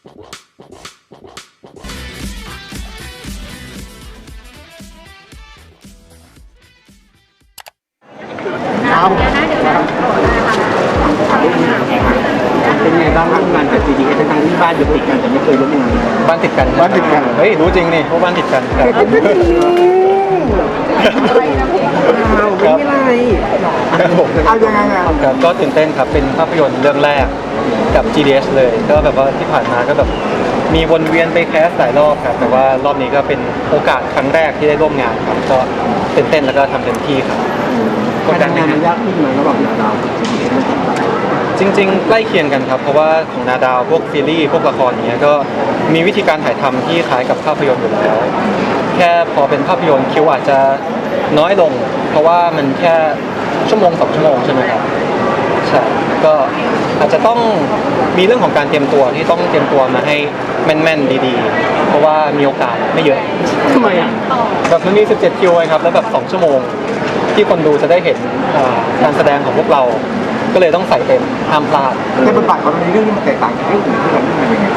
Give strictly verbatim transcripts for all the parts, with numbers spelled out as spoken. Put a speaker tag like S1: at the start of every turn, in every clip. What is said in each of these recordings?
S1: ครับเป็นไงบ้างร่วมงานกับ จี ดี เอส ทั้งที่บ้านอยู่ติดกันแต่ไม่เคยร่วมงาน
S2: บ้านติดกัน
S1: บ้านติดกัน
S2: เฮ้ยรู้จริงนี่เพราะบ้านติดกันครับ
S1: อะไรนะพี่เราไม่มีอะไร
S2: ครับผม
S1: เอายังไงอ่ะ
S2: ครับก็ตื่นเต้นครับเป็นภาพยนตร์เรื่องแรกกับ จี ดี เอส เลยก็แบบว่าที่ผ่านมาก็แบบมีวนเวียนไปแคสหลายรอบครับแต่ว่ารอบนี้ก็เป็นโอกาสครั้งแรกที่ได้ร่วมงานครับก็ตื่นเต้นแล้วก็ทำเต็มที่ครับ
S1: การทำงานมันยากขึ้นไหมระหว่างนาดาวกับ จี ดี เอส
S2: จริงๆใกล้เคียงกันครับเพราะว่าของนาดาวพวกซีรีส์พวกละครอย่างเงี้ยก็มีวิธีการถ่ายทำที่คล้ายกับภาพยนตร์อยู่แล้วแค่พอเป็นภาพยนตร์คิวอาจจะน้อยลงเพราะว่ามันแค่ชั่วโมงสองชั่วโมงใช่ไหมครับใช่ก็อาจจะต้องมีเรื่องของการเตรียมตัวที่ต้องเตรียมตัวมาให้แม่นๆดีๆเพราะว่ามีโอกาสไม่เยอะ
S1: ทำไมอ่ะ
S2: แบบมันมีสิบเจ็ดคิวไงครับแล้วแบบสองชั่วโมงที่คนดูจะได้เห็นการแสดงของพวกเราก็เลยต้องใส่เต็มห้ามพลาด
S1: แต่บทบาทของเราในเรื่องนี้มันแตกต่างจากเรื่องอื่นที่เราเล่นมายังไง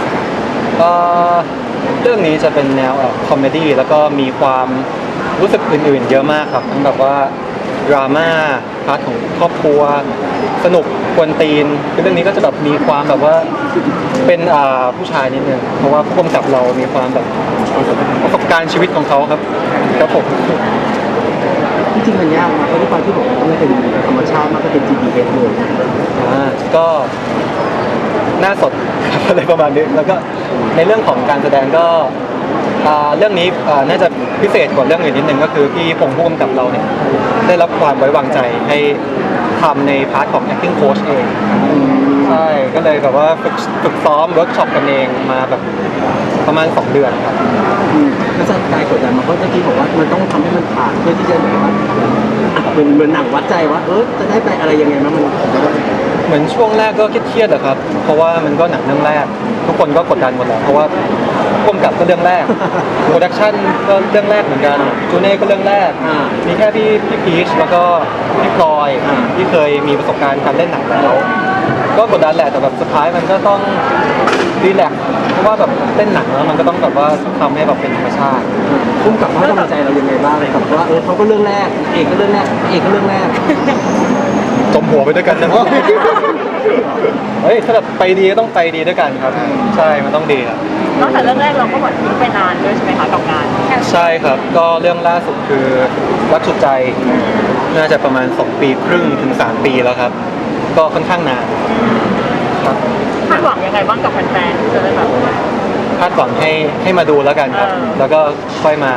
S2: เรื่องนี้จะเป็นแนวคอมเมดี้แล้วก็มีความรู้สึกอื่นๆเยอะมากครับทั้งแบบว่าดราม่าพาร์ทของครอบครัวสนุกกวนตีนเรื่องนี้ก็จะแบบมีความแบบว่าเป็นผู้ชายนิดนึงเพราะว่าผู้กำกับเรามีความแบบประสบการณ์ชีวิตของเขาครับครับผม
S1: ที่จริงมันยากนะเพราะด้วยความที่ผมต้องเป็นธรรมชาติมากก็เป็น จี ดี เอส เลย
S2: อ่าก็หน้าสดอะไรประมาณนี้แล้วก็ในเรื่องของการแสดงก็เรื่องนี้น่าจะพิเศษกว่าเรื่องอื่นนิดนึงก็คือพี่พงษ์ผู้กำกับเราเนี่ยได้รับความไว้วางใจให้ทำในพาร์ทของ acting coach เองใช่ก็เลยแบบว่าฝึกฝึกซ้อมเวิร์กช็อปกันเองมาแบบประมาณสองเดือนครับ
S1: แล้วสไตล์กดดันมันก็จะที่บอกว่ามันต้องทำให้มันผ่านเพื่อที่จะแบบว่าเป็นเหมือนหนังวัดใจว่าเออจะได้ไปอะไรยังไงมัน
S2: เหมือนช่วงแรกก็เครียดๆอะครับเพราะว่ามันก็หนังเรื่องแรกทุกคนก็กดดันหมดแหละเพราะว่าร่วมกับก็เรื่องแรกโปรดักชั่นก็เรื่องแรกเหมือนกันจูเน่ก็เรื่องแรกมีแค่พี่พี่พีชแล้วก็พี่พลอยที่เคยมีประสบการณ์การเล่นหนังแล้วก็กดดันแหละแต่แบบสุดท้ายมันก็ต้องรีแลกซ์เพราะว่าแบบเล่นหนังแล้วมันก็ต้องแบบว่าทำให้แบบเป็นธรรมชาติ
S1: พุ่มกับให้กำลังใจเรายังไงบ้างเลยกับว่าเออเขาก็เรื่องแรกเอกก็เรื่องแรกเอกก็เรื่องแรก
S2: จมหัวไปด้วยกันนะเฮ้ยถ้าแบบไปดีก็ต้องไปดีด้วยกันครับใช่มันต้องดีครับ
S3: นอกจากเรื่องแรกเราก็หมดทิ้งไปนานด้วยใช่ไหมคะกับงาน
S2: ใช่ครับก็เรื่องล่าสุดคือรักสุดใจน่าจะประมาณสองปีครึ่งถึงสามปีแล้วครับก็ค่อนข้างนานครับ
S3: คาดหวังยังไงบ้างกับแฟนๆที่จะได้แบบ
S2: คาดหวังให้ให้มาดูแล้วกันครับแล้วก็ค่อยมา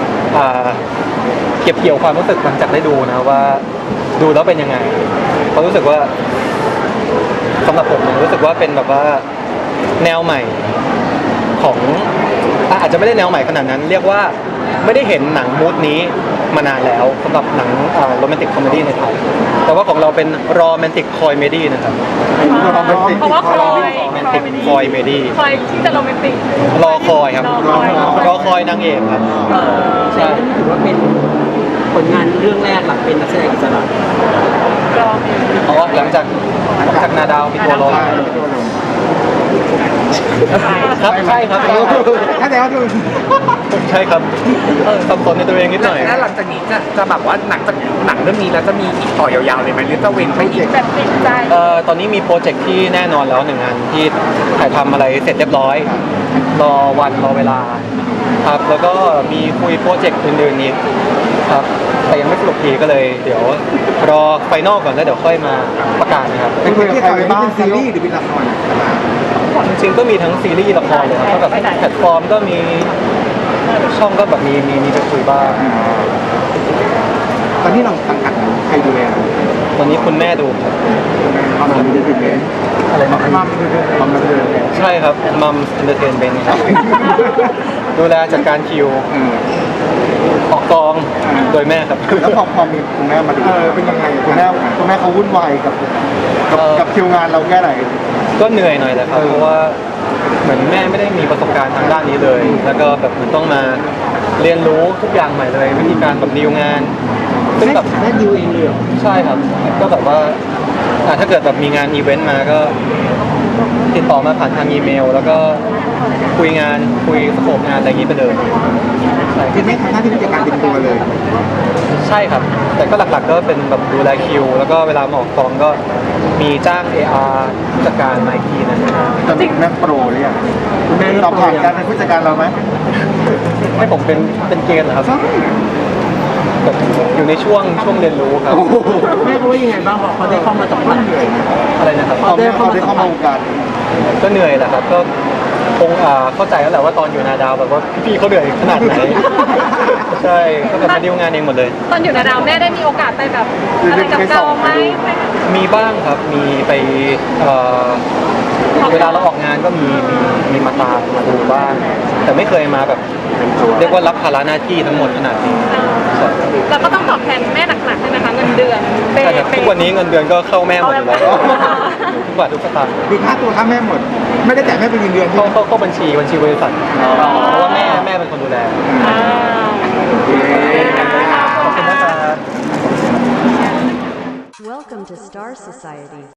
S2: เก็บเกี่ยวความรู้สึกหลังจากได้ดูนะว่าดูแล้วเป็นยังไงเพราะรู้สึกว่าสำหรับผมเนี่ยรู้สึกว่าเป็นแบบว่าแนวใหม่ของอาจจะไม่ได้แนวใหม่ขนาดนั้นเรียกว่าไม่ได้เห็นหนังมูดนี้มานานแล้วสำหรับหนังโรแมนติกคอมเมดี้ในไทยแต่ว่าของเราเป็นโรแมนติกคอยเมดี้นะครับ
S3: เพราะว่าคอย
S2: โรแมนติกคอยเมดี้
S3: คอยที่จะโรแมนติก
S2: รอคอยครับรอคอยนางเอกครับ
S1: ใช่ถือว่าเป็นผลงานเรื่องแรกหลังเป็นนักแสดงอิสระ
S2: อ๋อหลังจากหลังจากนาดาวมีตัวลงครับใช่ครับ
S1: ถ้าแต่ว่า
S2: ใช่ครับสับสนในตัวเองนิดหน่อย
S4: แล้วหลังจากนี้จะจะแบบว่าหนังจากหนังเรื่องนี้แล้วจะมีอีกต่อยาวๆเลยไหมหรือจะเว้นไปอีก
S3: แบบติดใจ
S2: เอ่อตอนนี้มีโปรเจกต์ที่แน่นอนแล้วหนึ่งงานที่ถ่ายทำอะไรเสร็จเรียบร้อยรอวันรอเวลาครับแล้วก็มีคุยโปรเจกต์อื่นๆนี้ครับแต่ยังไม่สรุปทีก็เลยเดี๋ยวรอไฟนอลก่อนแล้วเดี๋ยวค่อยมาประกาศนะครับ
S1: เป็นเรื่องอะไรบ้างซีรีส์หรือเป็นละคร
S2: จริงๆก็มีทั้งซีรีส์ละครเลยครับก็แบบแพลตฟอร์มก็มีช่องก็แบบมีมีมีไปคุยบ้าง
S1: ตอนนี้เราสังกัดใครดูแล
S2: ตอนนี้คุณแม่ดูครับ
S1: มัมมีเดเทนเมนต์อะไรมัมมัมมัมมีเดเทนเมนต์
S2: ใช่ครับมัมเดเทนเมนต์ครับดูแลจัดการคิวออกกองโดยแม่ครับ
S1: แล้วพอพอมีคุณแม่มาดูเป็นยังไงคุณแม่คุณแม่เขาวุ่นวายกับกับคิวงานเราแค่ไหน
S2: ก็เหนื่อยหน่อยแหละครับเพราะว่าเหมือนแม่ไม่ได้มีประสบการณ์ทางด้านนี้เลยแล้วก็แบบมันต้องมาเรียนรู้ทุกอย่างใหม่เลยวิธีการแบบดีลงาน
S1: ซึ่งแบบแม่ดีลเองเลย
S2: ใช่ครับก็แบบว่าถ้าเกิดแบบมีงานอีเวนต์มาก็ติดต่อมาผ่านทางอีเมล แล้วก็คุยงานคุยสโคปงานอะไรอย่างนี้ไปเลยใช่
S5: คือไม่ทำหน้าที่ผู้จัดการเป็นตัวเลย
S2: ใช่ครับ แต่ก็หลักๆก็เป็นแบบดูแลคิว แล้วก็เวลามาออกกองก็มีจ้าง เอ อาร์ ผู้จัดการมาอีกทีนะ
S5: ตอนนี้แม่โปรหรือยัง
S1: คุณแม่
S5: ตอบผ่านการเป็นผู้จัดการเราไหม
S2: ให้ผมเป็นเป็นเกณฑ์เหรอครับแบบอยู่ในช่วงช่วงเรียนรู้ครับ
S1: แม่เขาว่ายังไงบ้างพอเขาได้เข้ามาสัมผัส
S2: อะไรนะครับ
S5: ตอนนี้เขาได้เข้ามาวงการ
S2: ก็เหนื่อยแหละครับก็คงอ่าเข้าใจแล้วแหละว่าตอนอยู่นาดาวแบบว่าพี่ๆเขาเหนื่อยขนาดไหน ใช่ก็แบบมาดีลงานเองหมดเลย
S3: ตอนอยู่นาดาวแม่ได้มีโอกาสไปแบบอะไรกับเกาไหมไป
S2: มีบ้างครับมีไปเอ่อเวลาเราออกงานก็มีมีมีมาตามมาดูบ้างแต่ไม่เคยมาแบบเรียกว่ารับภาระหน้าที่ทั้งหมดขนาดนี้ใช่
S3: แล้วก็ต้องตอบแทนแม่หนักๆใช่ไหมคะเงินเดือนเป
S2: ใช่ครับทุกวันนี้เงินเดือนก็เข้าแม่หมดอยู่แล้วทุกบาททุกสตางค์
S5: ดูค่าตัวค่าแม่หมด ไม่ได้จ่ายแม่เป็นเงินเดือน
S2: เข้าเข้าเข้าบัญชีบัญชีบริษัทเพราะว่าแม่แม่เป็นคนดูแล
S3: อ่า
S2: ขอบคุณนะครับ
S6: Welcome to Star Society.